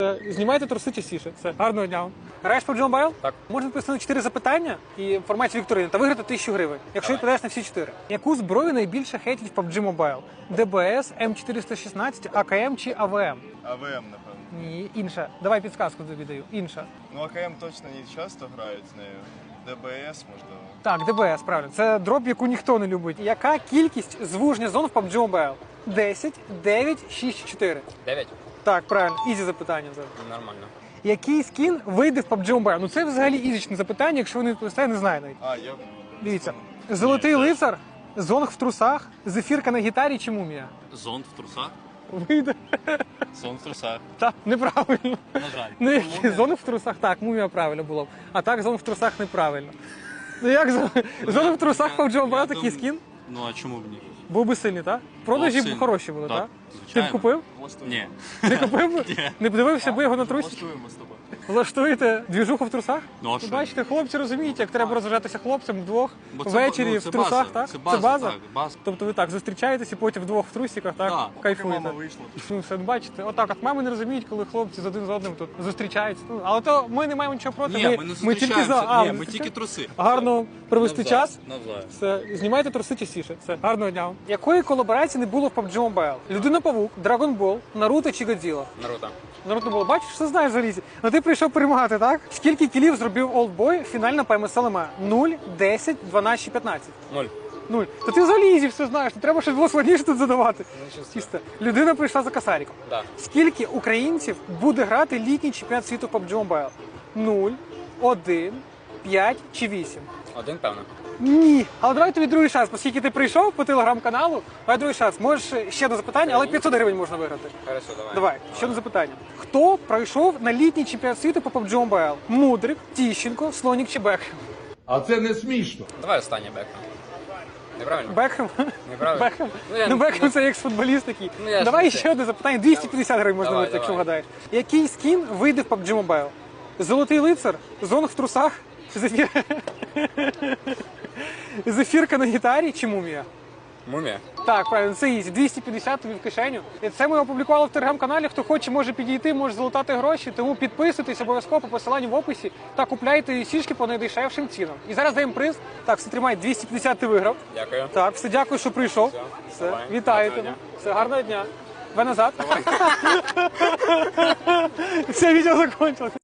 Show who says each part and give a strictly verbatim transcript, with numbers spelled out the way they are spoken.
Speaker 1: Знімайте труси частіше. Все, гарного дня вам. Граєш по пабджі Mobile?
Speaker 2: Так.
Speaker 1: Можна відповісти на чотири запитання і в форматі вікторини та виграти тисячу гривень, якщо
Speaker 2: Давай.
Speaker 1: відповідаєш на всі чотири. Яку зброю найбільше хейтять в пабджі Mobile? ді бі ес, ем чотириста шістнадцять, а ка ем чи а ве ем?
Speaker 3: а ве ем, напевно.
Speaker 1: Ні, інша. Давай підсказку тобі даю. Інша.
Speaker 3: Ну, а ка ем точно не часто грають з нею. де бе ес, можливо.
Speaker 1: Так, ді бі ес, правильно. Це дроп, яку ніхто не любить. Яка кількість звуження зон в пабджі Mobile? десять, дев'ять, шість, чотири.
Speaker 2: дев'ять?
Speaker 1: Так, правильно. Ізі запитання зараз.
Speaker 2: Нормально.
Speaker 1: Який скін вийде в пабджі Mobile? Ну це взагалі ізічне запитання, якщо ви не відповісте, не знаю навіть.
Speaker 3: А, я...
Speaker 1: Дивіться. Золотий лицар, зонг в трусах, зефірка на гітарі чи мумія?
Speaker 4: Зонт в трусах?
Speaker 1: Вийде.
Speaker 4: Сон в трусах.
Speaker 1: Так, неправильно.
Speaker 4: На жаль.
Speaker 1: Ну, які зонг в трусах, так, мумія правильно було б. А так, зонг в трусах неправильно. Ну як зон- зонг в трусах в пабджі Mobile
Speaker 4: Я
Speaker 1: такий
Speaker 4: дум-
Speaker 1: скін?
Speaker 4: Ну а чому б ні?
Speaker 1: Був би сильний, так? Продажі
Speaker 4: Був
Speaker 1: б
Speaker 4: сильний.
Speaker 1: хороші були,
Speaker 4: Так,
Speaker 1: так? Ти б
Speaker 4: звичайно.
Speaker 1: купив?
Speaker 4: Ні.
Speaker 1: Не купив би?
Speaker 4: Ні.
Speaker 1: Не подивився би його на трусі?
Speaker 3: Влаштуємо з тобою.
Speaker 1: Влаштуєте двіжуху в трусах?
Speaker 4: Ну, а
Speaker 1: Ви
Speaker 4: що?
Speaker 1: бачите, хлопці розуміють, як треба розважатися хлопцям вдвох,
Speaker 4: Бо це
Speaker 1: ввечері
Speaker 4: ба- ну,
Speaker 1: в
Speaker 4: це
Speaker 1: трусах,
Speaker 4: база,
Speaker 1: так?
Speaker 4: це база, так, база.
Speaker 1: Тобто ви так зустрічаєтесь і потім вдвох в трусиках, так?
Speaker 4: Так.
Speaker 1: Кайфуєте.
Speaker 3: Мама вийшла.
Speaker 1: Ну, все, бачите, отак, от мами не розуміють, коли хлопці з один з одним тут зустрічаються. Ну, але то ми не маємо нічого проти.
Speaker 4: Ні, ми не
Speaker 1: ми тільки за.
Speaker 4: зустрічаємося.
Speaker 1: А,
Speaker 4: Ні,
Speaker 1: ви
Speaker 4: ми тільки
Speaker 1: зустрічаєтесь?
Speaker 4: труси.
Speaker 1: Гарно провести
Speaker 4: Навзаєм,
Speaker 1: час.
Speaker 4: навзаєм.
Speaker 1: Все, знімайте труси частіше. Все, гарного дня вам. Якої колаборації не було в пабджі Mobile? Людина-павук, Dragon Ball, Наруто чи Годзіла?
Speaker 2: Наруто.
Speaker 1: Наруто було, бачиш, все знаєш залізі. Ну ти прийшов перемагати, так? Скільки кілів зробив Олдбой фінально по ем ес ел ем? нуль, десять, дванадцять чи п'ятнадцять?
Speaker 2: Ноль.
Speaker 1: Нуль. То ти взагалі ізі все знаєш, не треба щось було складніше тут задавати.
Speaker 2: Нічого собі.
Speaker 1: Чисто. Людина прийшла за косариком.
Speaker 2: Да.
Speaker 1: Скільки українців буде грати літній чемпіонат світу в пабджі Mobile? нуль, один, п'ять чи вісім?
Speaker 2: Один, певно.
Speaker 1: Ні. Але давай тобі другий шанс, оскільки ти прийшов по телеграм-каналу, давай другий шанс. Можеш ще одне запитання, але п'ятсот гривень можна виграти.
Speaker 2: Хорошо, давай.
Speaker 1: Давай, ще одне запитання. Хто пройшов на літній чемпіонат світу по пабджі Mobile? Мудрик, Тіщенко, Слонік чи Бекхем?
Speaker 5: А це не смішно.
Speaker 2: Давай останнє Бекхем. Неправильно?
Speaker 1: Бекхем?
Speaker 2: Неправильно.
Speaker 1: Бекхем?
Speaker 2: Ну, я
Speaker 1: Ну,
Speaker 2: не-
Speaker 1: Бекхем це екс-футболіст такий.
Speaker 2: Ну, я ж
Speaker 1: Давай
Speaker 2: не
Speaker 1: ще
Speaker 2: те.
Speaker 1: одне запитання. двісті п'ятдесят гривень можна
Speaker 2: Давай,
Speaker 1: виграти, якщо
Speaker 2: давай.
Speaker 1: вгадаєш. Який скін вийде в пабджі Mobile? Золотий лицар, зонг в трусах, зефір... зефірка на гітарі чи мумія?
Speaker 2: Мумія.
Speaker 1: Так, правильно, це ізі. двісті п'ятдесят тобі в кишеню. І це ми опублікували в телеграм-каналі. Хто хоче, може підійти, може залутати гроші. Тому підписуйтесь обов'язково по посиланню в описі та купляйте сішки по найдешевшим цінам. І зараз даємо приз. Так, все, тримай, двісті п'ятдесят ти виграв.
Speaker 2: Дякую.
Speaker 1: Так, все, дякую, що прийшов.
Speaker 2: Все,
Speaker 1: Все,
Speaker 2: давай.
Speaker 1: вітаю
Speaker 2: Гарного
Speaker 1: тебе.
Speaker 2: дня.
Speaker 1: Все, гарного дня. Ви назад. Все, відео закончилось.